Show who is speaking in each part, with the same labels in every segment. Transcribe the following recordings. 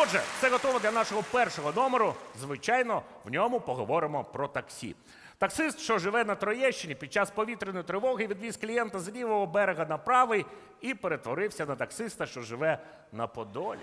Speaker 1: Отже, все готово для нашого першого номеру. Звичайно, в ньому поговоримо про таксі. Таксист, що живе на Троєщині, під час повітряної тривоги відвіз клієнта з лівого берега на правий і перетворився на таксиста, що живе на Подолі.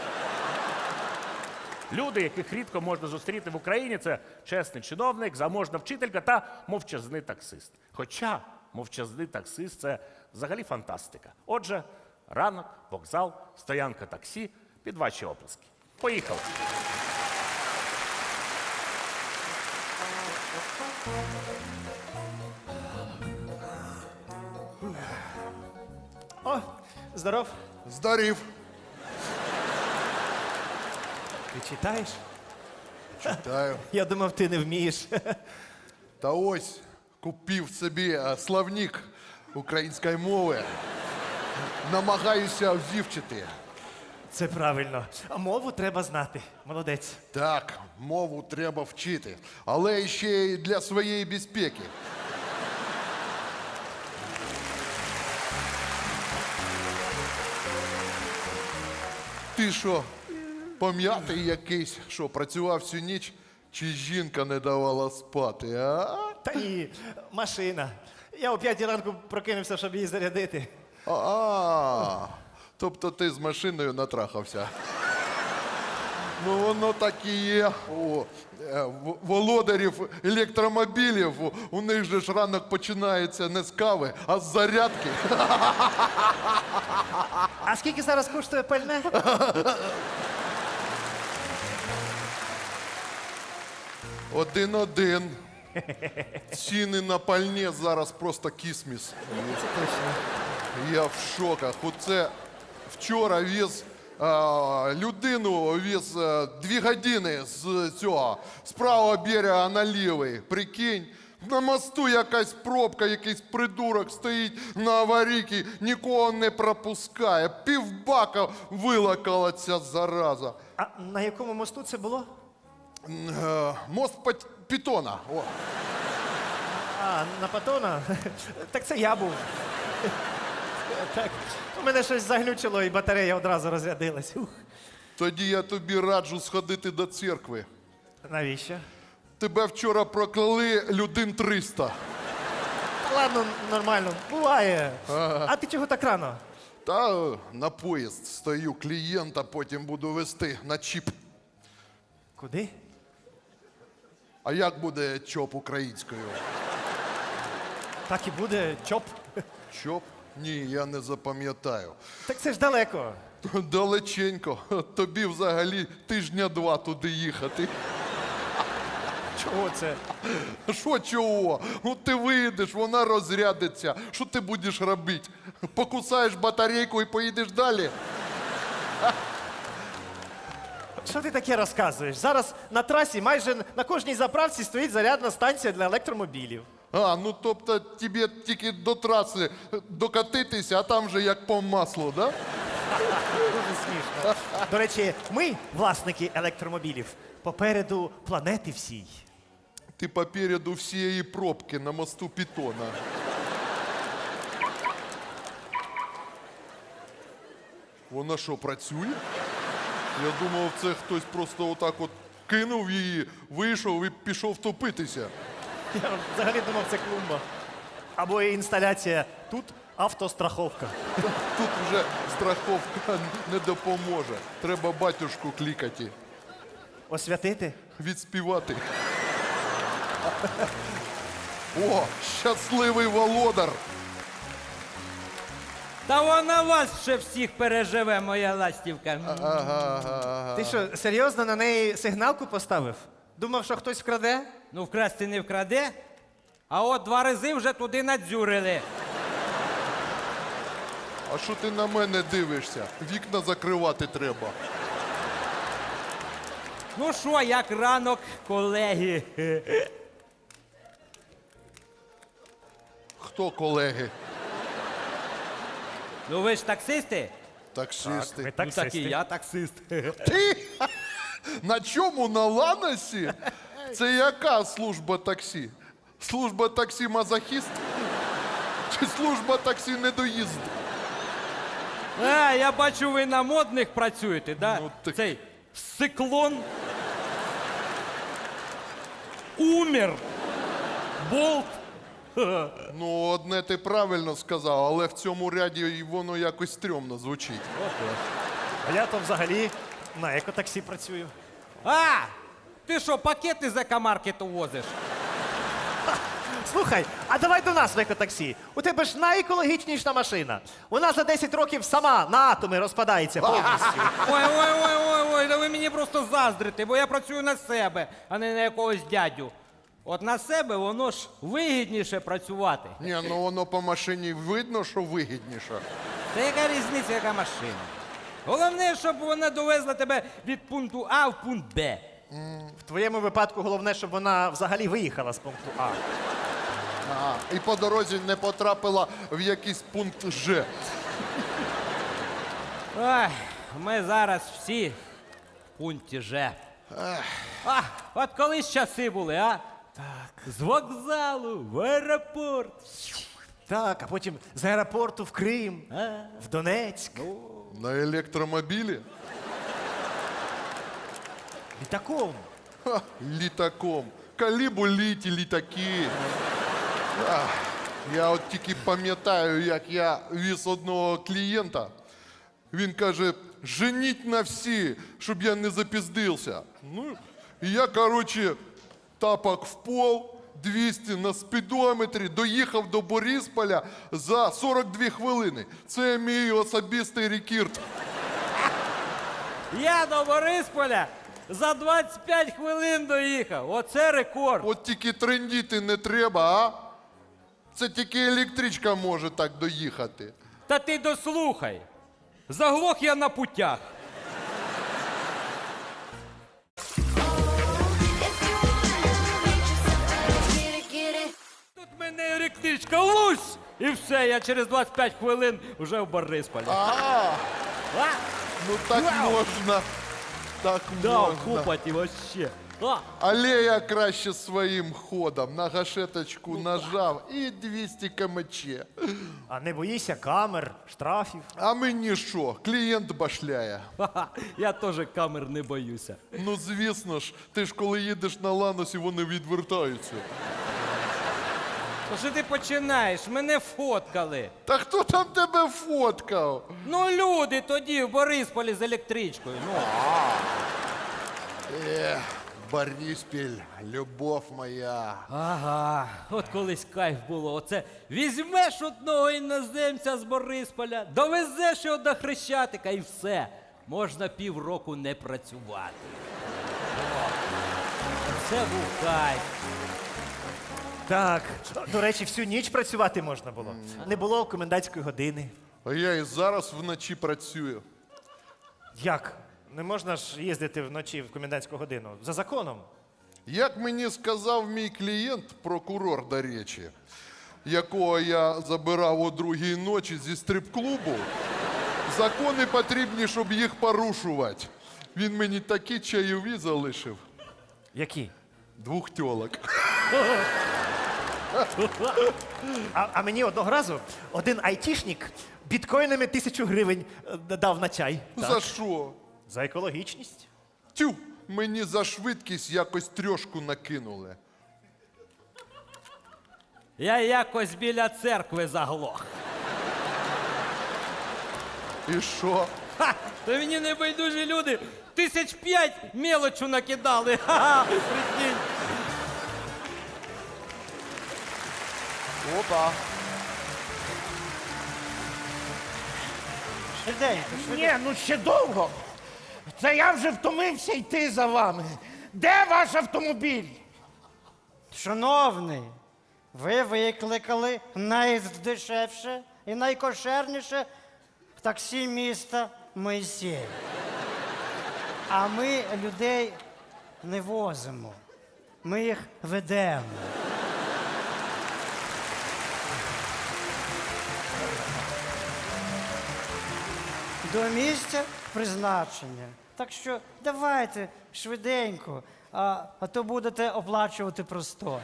Speaker 1: Люди, яких рідко можна зустріти в Україні, це чесний чиновник, заможна вчителька та мовчазний таксист. Хоча мовчазний таксист – це взагалі фантастика. Отже, ранок, вокзал, стоянка таксі під ваші оплески. Поїхали.
Speaker 2: О, здоров.
Speaker 3: Здарів.
Speaker 2: Ти читаєш?
Speaker 3: Читаю.
Speaker 2: Я думав, ти не вмієш.
Speaker 3: Та ось купив собі словник української мови. Намагаюся вивчити.
Speaker 2: Це правильно. А мову треба знати. Молодець.
Speaker 3: Так, мову треба вчити, але ще й для своєї безпеки. Ти що, пом'ятий якийсь, що працював всю ніч, чи жінка не давала спати, а?
Speaker 2: Та ні, машина. Я о 5 ранку прокинувся, щоб її зарядити.
Speaker 3: Тобто ти з машиною натрахався. Ну, воно так і є. Володарів електромобілів, у них же ж ранок починається не з кави, а з зарядки.
Speaker 2: А скільки зараз коштує пальне?
Speaker 3: Один. Ціни на пальне зараз просто кісміс.
Speaker 2: Це точно.
Speaker 3: Я в шоках. Оце вчора віз людину, віз 2 години з цього, з правого берега на лівий. Прикинь, на мосту якась пробка, якийсь придурок стоїть на аварійці, нікого не пропускає. Півбака вилакала ця зараза.
Speaker 2: А на якому мосту це було?
Speaker 3: Мост Пітона. О.
Speaker 2: А, на Патона? Так це я був. Так, у мене щось заглючило і батарея одразу розрядилась. Ух.
Speaker 3: Тоді я тобі раджу сходити до церкви.
Speaker 2: Навіщо?
Speaker 3: Тебе вчора прокляли людей 300.
Speaker 2: Ладно, нормально, буває. А ти чого так рано?
Speaker 3: Та на поїзд стою, клієнта потім буду вести на чіп.
Speaker 2: Куди?
Speaker 3: А як буде чоп українською?
Speaker 2: Так і буде, чоп.
Speaker 3: Чоп? Ні, я не запам'ятаю.
Speaker 2: Так це ж далеко.
Speaker 3: Далеченько. Тобі взагалі 2 тижні туди їхати.
Speaker 2: Чого це?
Speaker 3: Що чого? Ну ти вийдеш, вона розрядиться. Що ти будеш робити? Покусаєш батарейку і поїдеш далі?
Speaker 2: Що ти таке розказуєш? Зараз на трасі майже на кожній заправці стоїть зарядна станція для електромобілів.
Speaker 3: Ну тобто тобі тільки до траси докатитися, а там же як по маслу, да?
Speaker 2: Дуже смішно. До речі, ми, власники електромобілів, попереду планети всій.
Speaker 3: Ти попереду всієї пробки на мосту Пітона. Вона що, працює? Я думав, це хтось просто отак от кинув її, вийшов і пішов топитися.
Speaker 2: Я взагалі думав, це клумба. Або інсталяція «Тут автостраховка».
Speaker 3: Тут вже страховка не допоможе. Треба батюшку клікати,
Speaker 2: Освятити?
Speaker 3: відспівати. О, щасливий володар!
Speaker 4: Та вона вас ще всіх переживе, моя ластівка.
Speaker 2: Ти що, серйозно на неї сигналку поставив? Думав, що хтось вкраде?
Speaker 4: Ну, вкрасти не вкраде, а от 2 рази вже туди надзюрили.
Speaker 3: А що ти на мене дивишся? Вікна закривати треба.
Speaker 4: Ну що, як ранок, колеги?
Speaker 3: Хто колеги?
Speaker 4: Ну ви ж таксисти?
Speaker 3: Таксисти.
Speaker 4: Ну так і я таксист.
Speaker 3: Ти? На чому? На Ланосі? Це яка служба таксі? Служба таксі мазохіст? Чи служба таксі недоїзд?
Speaker 4: Я бачу, ви на модних працюєте, да?
Speaker 3: Ну, так-
Speaker 4: Цей циклон, умер, болт.
Speaker 3: Ну, одне ти правильно сказав, але в цьому ряді і воно якось стрьомно звучить.
Speaker 2: А я то взагалі на екотаксі працюю.
Speaker 4: А! Ти що, пакети з екомаркету возиш?
Speaker 2: Слухай, а давай до нас в екотаксі. У тебе ж найекологічніша машина. Вона за 10 років сама на атоми розпадається повністю.
Speaker 4: Ой, да ви мені просто заздрите, бо я працюю на себе, а не на якогось дядю. От на себе воно ж вигідніше працювати.
Speaker 3: Ні, ну воно по машині видно, що вигідніше.
Speaker 4: Та яка різниця, яка машина? Головне, щоб вона довезла тебе від пункту А в пункт Б.
Speaker 2: В твоєму випадку головне, щоб вона взагалі виїхала з пункту А.
Speaker 3: Ага. І по дорозі не потрапила в якийсь пункт Ж.
Speaker 4: Ой, ми зараз всі в пункті Ж. А, от колись часи були, а? Так. З вокзалу в аеропорт.
Speaker 2: Так, а потім з аеропорту в Крим, в Донецьк.
Speaker 3: На електромобілі?
Speaker 2: Літаком.
Speaker 3: Ха, літаком. Калібу літі літаки. Ах, я от тільки пам'ятаю, як я віз одного клієнта. Він каже, женіть на всі, щоб я не запіздився. Ну, і я, коротше, тапок в пол, 200 на спідометрі, доїхав до Борисполя за 42 хвилини. Це мій особистий рекорд.
Speaker 4: Я до Борисполя за 25 хвилин доїхав. Оце рекорд.
Speaker 3: От тільки трендіти не треба, а? Це тільки електричка може так доїхати.
Speaker 4: Та ти дослухай. Заглох я на путях. Тут мене електричка лусь! І все, я через 25 хвилин вже в Борисполі. А?
Speaker 3: Ну так можна. Так
Speaker 4: Да,
Speaker 3: можна.
Speaker 4: купати вообще. А,
Speaker 3: Але я краще своїм ходом на гашеточку нажав і 200 кмч.
Speaker 2: А не боїшся камер, штрафів.
Speaker 3: А мені що, клієнт башляє.
Speaker 4: ха-ха, я теж камер не боюся.
Speaker 3: Ну звісно ж, ти ж коли їдеш на ланосі, вони відвертаються.
Speaker 4: То що ти починаєш? Мене фоткали.
Speaker 3: Та хто там тебе фоткав?
Speaker 4: Ну, люди тоді в Борисполі з електричкою. Ну.
Speaker 3: Бориспіль, любов моя.
Speaker 4: Ага, от колись кайф було. Оце візьмеш одного іноземця з Борисполя, довезеш його до Хрещатика і все. Можна півроку не працювати. О, це був кайф.
Speaker 2: Так, до речі, всю ніч працювати можна було. Не було комендантської години.
Speaker 3: А я і зараз вночі працюю.
Speaker 2: Як? Не можна ж їздити вночі в комендантську годину. За законом.
Speaker 3: Як мені сказав мій клієнт, прокурор, до речі, якого я забирав о 2-й ночі зі стрип-клубу, закони потрібні, щоб їх порушувати. Він мені такі чайові залишив.
Speaker 2: Які?
Speaker 3: 2 тьолок.
Speaker 2: А мені одного разу один айтішник біткоїнами 1000 гривень дав на чай.
Speaker 3: За що?
Speaker 2: За екологічність.
Speaker 3: Тю, мені за швидкість якось трьошку накинули.
Speaker 4: Я якось біля церкви заглох.
Speaker 3: І що?
Speaker 4: Ха! То мені небайдужі люди 1005 мелочу накидали. Ха-ха, прикинь.
Speaker 3: Опа.
Speaker 5: Ні, ну ще довго. Це я вже втомився йти за вами. Де ваш автомобіль?
Speaker 6: Шановний, ви викликали найдешевше і найкошерніше таксі міста Моїсей. А ми людей не возимо. Ми їх ведемо. До місця призначення. Так що давайте швиденько, а то будете оплачувати простой.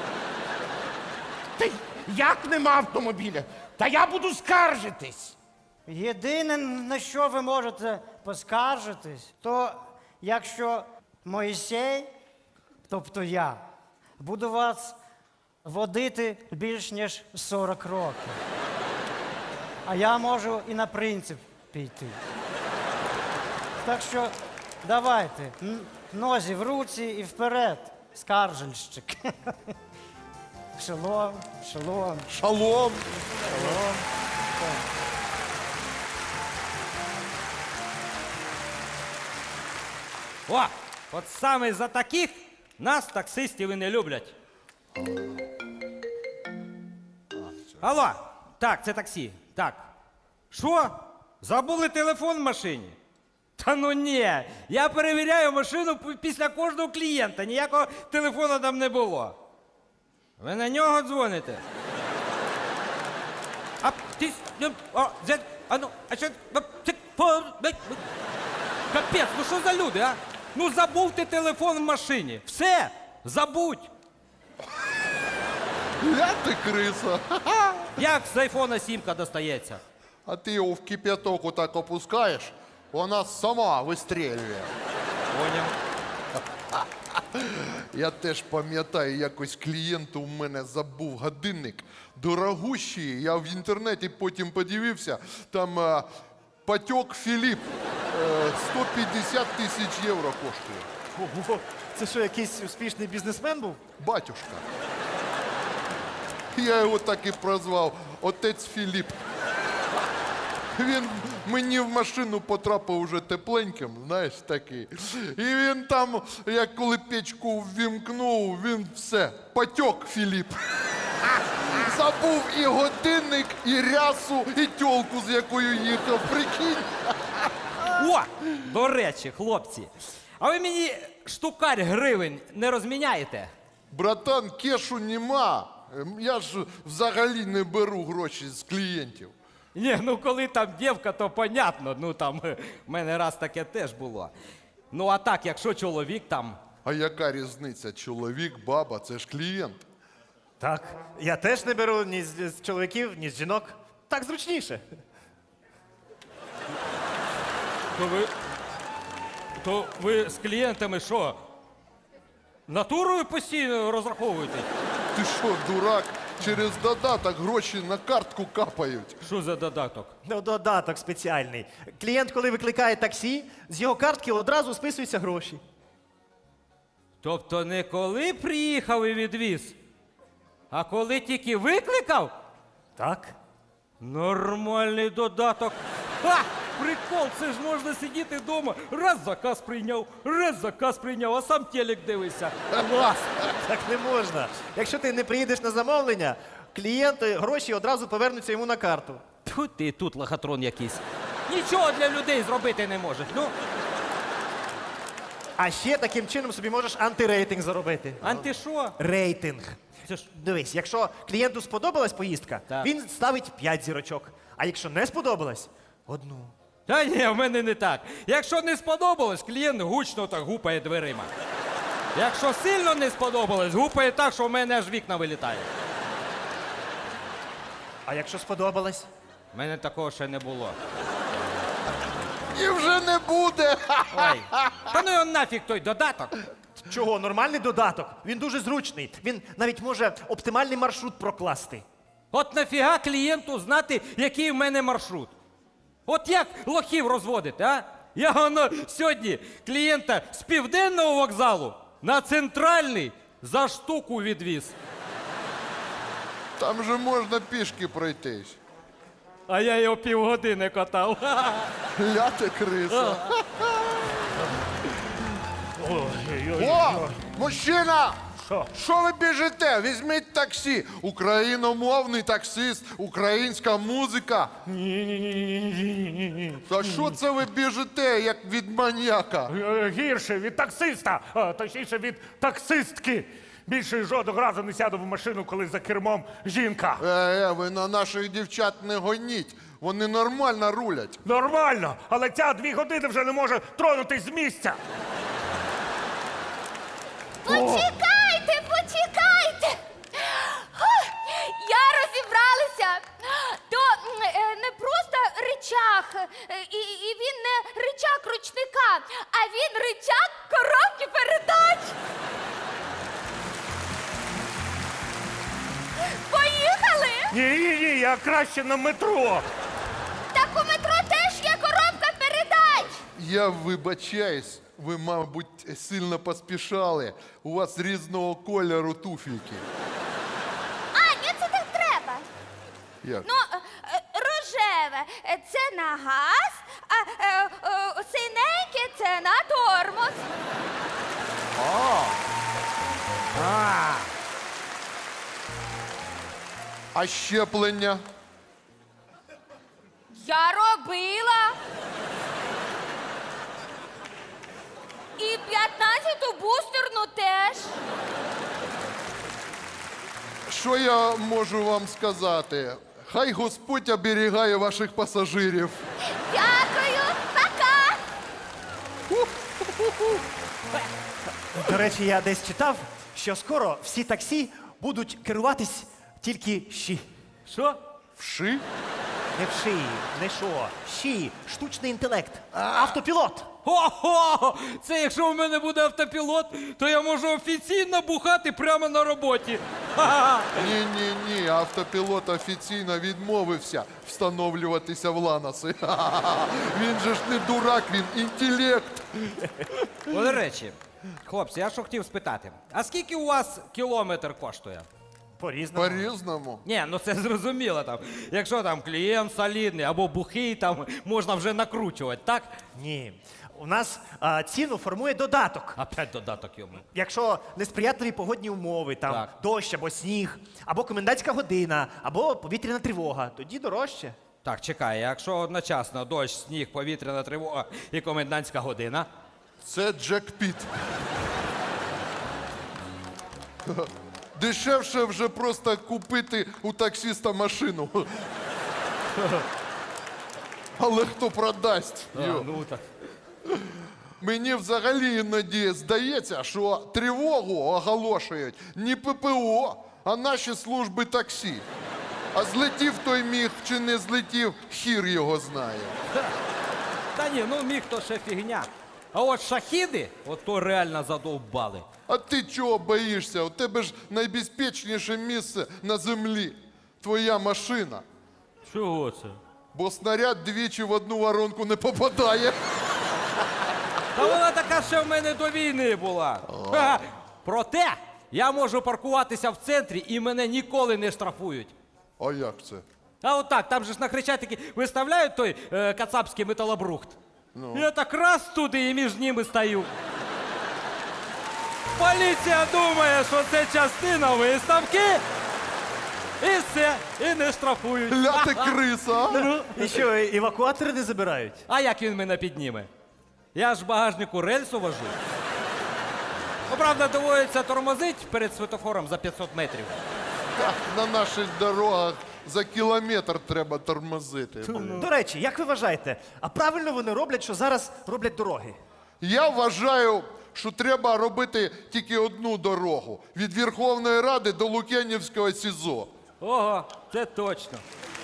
Speaker 5: Та як нема автомобіля? Та я буду скаржитись.
Speaker 6: Єдине, на що ви можете поскаржитись, то якщо Моїсей, тобто я, буду вас водити більш ніж 40 років. А я можу і на принцип піти. Так що давайте, нозі в руці і вперед, скаржельщик. Шалом, шалом,
Speaker 3: Шалом.
Speaker 6: шалом.
Speaker 4: О, от саме за таких нас таксистів і не люблять. Алло, так, це таксі. Так. Що? Забули телефон в машині? Та ну ні, я перевіряю машину після кожного клієнта, ніякого телефону там не було. Ви на нього дзвоните? А ти... А ну, а що... Капець, ну що за люди, а? Ну забув ти телефон в машині. Все, забудь.
Speaker 3: Я ти криса.
Speaker 4: Як з айфона сімка достається?
Speaker 3: А ти його в кип'яток отак опускаєш, вона сама вистрілює.
Speaker 4: Поняв.
Speaker 3: Я теж пам'ятаю, якось клієнт у мене забув годинник. Дорогущий, я в інтернеті потім подивився, там Патьок Філіп 150 тисяч євро коштує.
Speaker 2: Ого, це що, якийсь успішний бізнесмен був?
Speaker 3: Батюшка. Я його так і прозвав Отець Філіп. Він мені в машину потрапив уже тепленьким, знаєш, такий. І він там, як коли печку ввімкнув, він все, Патьок Філіп. Забув і годинник, і рясу, і тьолку, з якою їхав, прикинь.
Speaker 4: О, до речі, хлопці, а ви мені штукарь гривень не розміняєте?
Speaker 3: Братан, кешу нема. Я ж взагалі не беру гроші з клієнтів.
Speaker 4: Ні, ну коли там дівка, то понятно, ну там в мене раз таке теж було. Ну а так, якщо чоловік там.
Speaker 3: А яка різниця? Чоловік, баба, це ж клієнт.
Speaker 2: Так, я теж не беру ні з чоловіків, ні з жінок. Так зручніше.
Speaker 4: То ви з клієнтами що? Натурою постійно розраховуєте?
Speaker 3: Ти що, дурак? Через додаток гроші на картку капають.
Speaker 4: Що за додаток?
Speaker 2: Ну, додаток спеціальний. Клієнт, коли викликає таксі, з його картки одразу списуються гроші.
Speaker 4: Тобто не коли приїхав і відвіз, а коли тільки викликав?
Speaker 2: Так.
Speaker 4: Нормальний додаток. Ха! Прикол, це ж можна сидіти вдома, раз заказ прийняв, а сам телек дивишся. Клас!
Speaker 2: Так не можна. Якщо ти не приїдеш на замовлення, клієнти гроші одразу повернуться йому на карту.
Speaker 4: Тьфу ти тут лохотрон якийсь. Нічого для людей зробити не може. Ну,
Speaker 2: А ще таким чином собі можеш антирейтинг заробити.
Speaker 4: анти що?
Speaker 2: Рейтинг.
Speaker 4: Це ж
Speaker 2: Дивись, якщо клієнту сподобалась поїздка,
Speaker 4: Так.
Speaker 2: він ставить 5 зірочок. А якщо не сподобалась, одну.
Speaker 4: Та ні, в мене не так. Якщо не сподобалось, клієнт гучно так гупає дверима. Якщо сильно не сподобалось, гупає так, що в мене аж вікна вилітає.
Speaker 2: А якщо сподобалась?
Speaker 4: У мене такого ще не було.
Speaker 3: І вже не буде.
Speaker 4: Ой. Та ну його нафіг той додаток.
Speaker 2: Чого? Нормальний додаток. Він дуже зручний. Він навіть може оптимальний маршрут прокласти.
Speaker 4: От нафіга клієнту знати, який в мене маршрут? От як лохів розводити, а? Я воно сьогодні клієнта з південного вокзалу на центральний за штуку відвіз.
Speaker 3: Там же можна пішки пройтись.
Speaker 4: А я його півгодини катав.
Speaker 3: Ляти криса.
Speaker 5: Ой-ой-ой.
Speaker 3: О, мужчина!
Speaker 5: Що?
Speaker 3: Що ви біжите? Візьміть таксі. Україномовний таксист, українська музика.
Speaker 5: Ні-ні-ні.
Speaker 3: Та що це ви біжите, як від маньяка?
Speaker 5: Гірше від таксиста, точніше від таксистки. Більше жодного разу не сяду в машину, коли за кермом жінка.
Speaker 3: Ви на наших дівчат не гоніть. Вони нормально рулять.
Speaker 5: Нормально, але ця 2 години вже не може тронутись з місця.
Speaker 7: Почекайте, почекайте. Я розібралася. То не просто ричаг, і він не ричаг ручника, а він ричаг
Speaker 5: Ні, я краще на метро.
Speaker 7: Так у метро теж є коробка передач.
Speaker 3: Я вибачаюсь, ви, мабуть, сильно поспішали. У вас різного кольору туфельки.
Speaker 7: А, ні, це так треба.
Speaker 3: Як?
Speaker 7: Ну, рожеве це на газ, а синеньке це на тормоз.
Speaker 3: А щеплення?
Speaker 7: Я робила. І 15-ту бустерну теж.
Speaker 3: Що я можу вам сказати? Хай Господь оберігає ваших пасажирів.
Speaker 7: Дякую, пока.
Speaker 2: До речі, я десь читав, що скоро всі таксі будуть керуватись тільки щі.
Speaker 4: Що?
Speaker 3: Вши?
Speaker 2: Не в шиї, не що. Щі, штучний інтелект, автопілот.
Speaker 4: Ого! Це якщо в мене буде автопілот, то я можу офіційно бухати прямо на роботі. Ха-ха!
Speaker 3: Ні, автопілот офіційно відмовився встановлюватися в ланоси. Він же ж не дурак, він інтелект.
Speaker 4: До речі, хлопці, я що хотів спитати, а скільки у вас кілометр коштує?
Speaker 2: По-різному.
Speaker 3: По-різному.
Speaker 4: Ні, ну це зрозуміло там. Якщо там клієнт солідний або бухий, там можна вже накручувати, так?
Speaker 2: Ні. У нас ціну формує додаток.
Speaker 4: Опять додаток йому.
Speaker 2: Якщо несприятливі погодні умови, там
Speaker 4: Так.
Speaker 2: дощ або сніг, або комендантська година, або повітряна тривога, тоді дорожче.
Speaker 4: Так, чекай, якщо одночасно дощ, сніг, повітряна тривога і комендантська година.
Speaker 3: Це Джек Піт. Дешевше вже просто купити у таксиста машину. Але хто продасть? Йо.
Speaker 4: Ну так.
Speaker 3: Мені взагалі іноді здається, що тривогу оголошують не ППО, а наші служби таксі. А злетів той міг чи не злетів, хір його знає.
Speaker 4: Та ні, ну міг то ще фігня. А от шахіди, от то реально задовбали.
Speaker 3: А ти чого боїшся? У тебе ж найбезпечніше місце на землі. Твоя машина.
Speaker 4: Чого це?
Speaker 3: Бо снаряд двічі в одну воронку не попадає.
Speaker 4: Та вона така ще в мене до війни була. Ха-ха. Проте я можу паркуватися в центрі і мене ніколи не штрафують.
Speaker 3: А як це?
Speaker 4: А от так, там же ж на Хрещатикі виставляють той кацапський металобрухт. Я так раз туди і між ними стою. Поліція думає, що це частина виставки. І все, і не штрафують.
Speaker 3: Ля ти криса, а?
Speaker 2: І що, евакуатори не забирають?
Speaker 4: А як він мене підніме? Я ж в багажнику рельсу вожу. Ну, правда, доводиться тормозить перед світофором за 500 метрів.
Speaker 3: Так, на наших дорогах за кілометр треба тормозити.
Speaker 2: До речі, як ви вважаєте, а правильно вони роблять, що зараз роблять дороги?
Speaker 3: Я вважаю, що треба робити тільки одну дорогу. Від Верховної Ради до Лук'янівського СІЗО.
Speaker 4: Ого, це точно.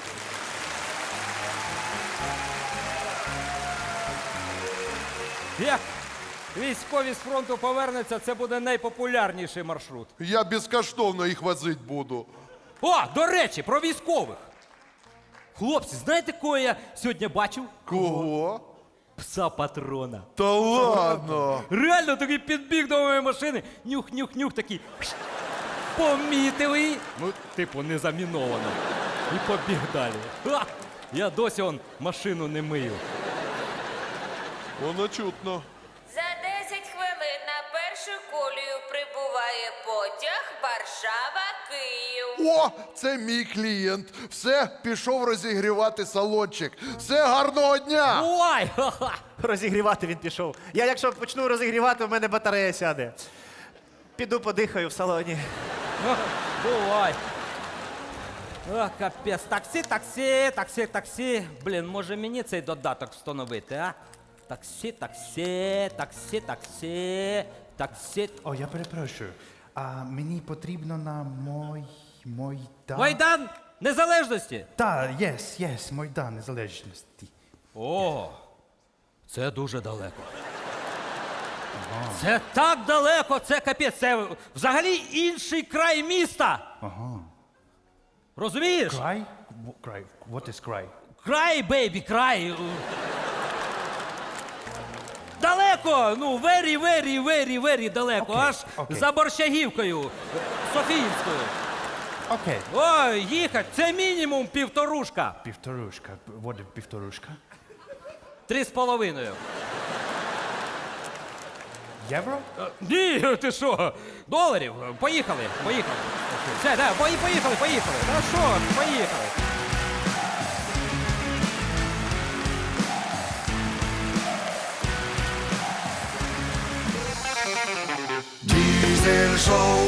Speaker 4: Як військові з фронту повернуться, це буде найпопулярніший маршрут.
Speaker 3: Я безкоштовно їх возити буду.
Speaker 4: О, до речі, про військових. Хлопці, знаєте, кого я сьогодні бачив?
Speaker 3: Кого?
Speaker 4: Пса патрона.
Speaker 3: Та ладно.
Speaker 4: Реально такий підбіг до моєї машини. Нюх-нюх-нюх такий. Помітив її. Ну, типу, не заміновано. І побіг далі. Ха! Я досі он машину не мию.
Speaker 3: Воно чутно.
Speaker 8: За 10 хвилин на першу колію прибуває потяг Варшава-Київ.
Speaker 3: О, це мій клієнт. Все, пішов розігрівати салончик. Все, гарного дня!
Speaker 4: Ой! Ха-ха!
Speaker 2: Розігрівати він пішов. Я якщо почну розігрівати, в мене батарея сяде. Піду подихаю в салоні.
Speaker 4: Бувай. О, капець. Таксі, таксі, таксі, таксі. Блін, може мені цей додаток встановити, а? Таксі, таксі, таксі, таксі, таксі.
Speaker 9: О, я перепрошую. А мені потрібно на Майдан.
Speaker 4: Майдан Незалежності.
Speaker 9: Так, yes, Майдан Незалежності.
Speaker 4: О, це дуже далеко. Це так далеко, це капець, це взагалі інший край міста. Розумієш?
Speaker 9: Край? Край. What is край?
Speaker 4: Край, бейбі, край. Далеко, ну, very далеко,
Speaker 9: Окей,
Speaker 4: аж
Speaker 9: окей.
Speaker 4: за Борщагівкою, Софіївською.
Speaker 9: Окей.
Speaker 4: Ой, їхать, це мінімум півторушка.
Speaker 9: Півторушка. What is півторушка?
Speaker 4: 3,5.
Speaker 9: Євро?
Speaker 4: Ні, ти що? Доларів. Поїхали. Все, да, поїхали. Та що, поїхали.
Speaker 10: Diesel Show.